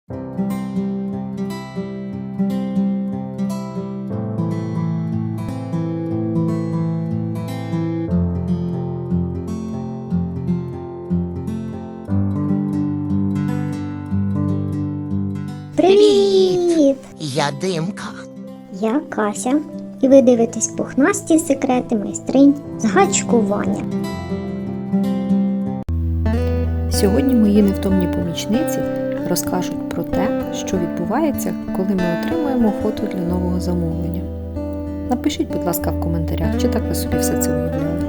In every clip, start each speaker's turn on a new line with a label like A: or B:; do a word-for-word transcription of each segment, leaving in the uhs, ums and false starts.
A: Привіт!
B: Я Димка.
A: Я Кася, і ви дивитесь пухнасті секрети майстринь з гачкування.
C: Сьогодні мої невтомні помічниці розкажуть про те, що відбувається, коли ми отримуємо фото для нового замовлення. Напишіть, будь ласка, в коментарях, чи так ви собі все це уявляли.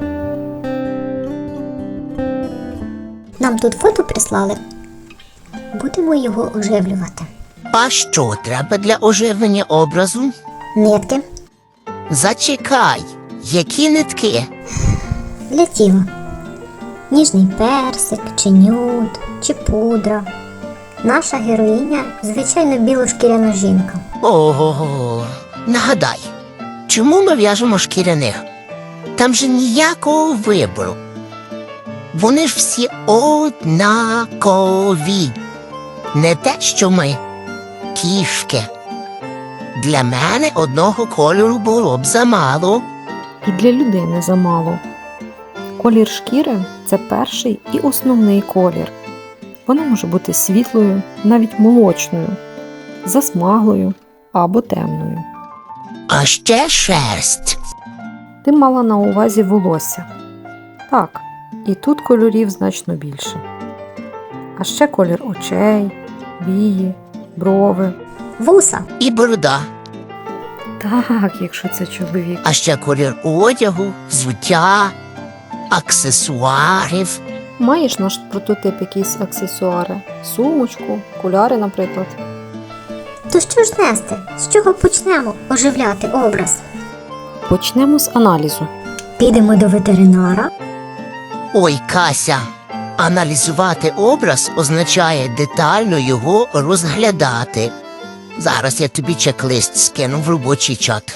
A: Нам тут фото прислали. Будемо його оживлювати.
B: А що треба для оживлення образу?
A: Нитки
B: Зачекай, які нитки?
A: для тіла. Ніжний персик, чи нюд, чи пудра. Наша героїня, звичайно, білошкіряна жінка.
B: Ого, нагадай, чому ми в'яжемо шкіряних? Там же ніякого вибору. Вони ж всі однакові. Не те, що ми. Кішки. Для мене одного кольору було б замало.
C: І для людини замало. Колір шкіри – це перший і основний колір. Вона може бути світлою, навіть молочною, засмаглою або темною.
B: А ще шерсть.
C: Ти мала на увазі волосся. Так, і тут кольорів значно більше. А ще колір очей, вії, брови.
A: Вуса.
B: І борода.
C: Так, якщо це чоловік.
B: А ще колір одягу, взуття, аксесуарів.
C: Маєш наш прототип якісь аксесуари? Сумочку, окуляри, наприклад.
A: То що ж нести? З чого почнемо оживляти образ?
C: Почнемо з аналізу.
A: Підемо до ветеринара.
B: Ой, Кася, аналізувати образ означає детально його розглядати. Зараз я тобі чек-лист скину в робочий чат.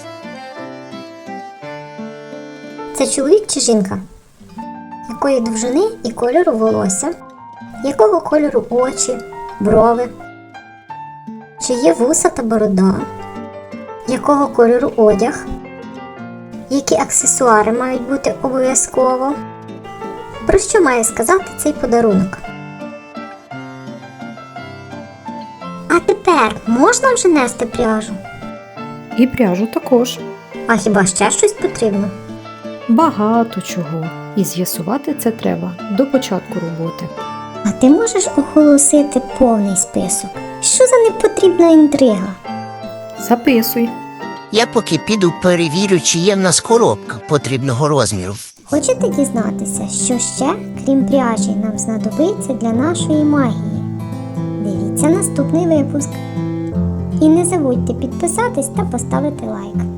A: Це чоловік чи жінка? Якої довжини і кольору волосся? Якого кольору очі, брови? Чи є вуса та борода? Якого кольору одяг? Які аксесуари мають бути обов'язково? Про що має сказати цей подарунок? А тепер можна вже нести пряжу?
C: І пряжу також.
A: А хіба ще щось потрібно?
C: Багато чого. І з'ясувати це треба до початку роботи.
A: А ти можеш оголосити повний список? Що за непотрібна інтрига?
C: Записуй.
B: Я поки піду перевірю, чи є в нас коробка потрібного розміру.
A: Хочете дізнатися, що ще, крім пряжі, нам знадобиться для нашої магії? Дивіться наступний випуск. І не забудьте підписатись та поставити лайк.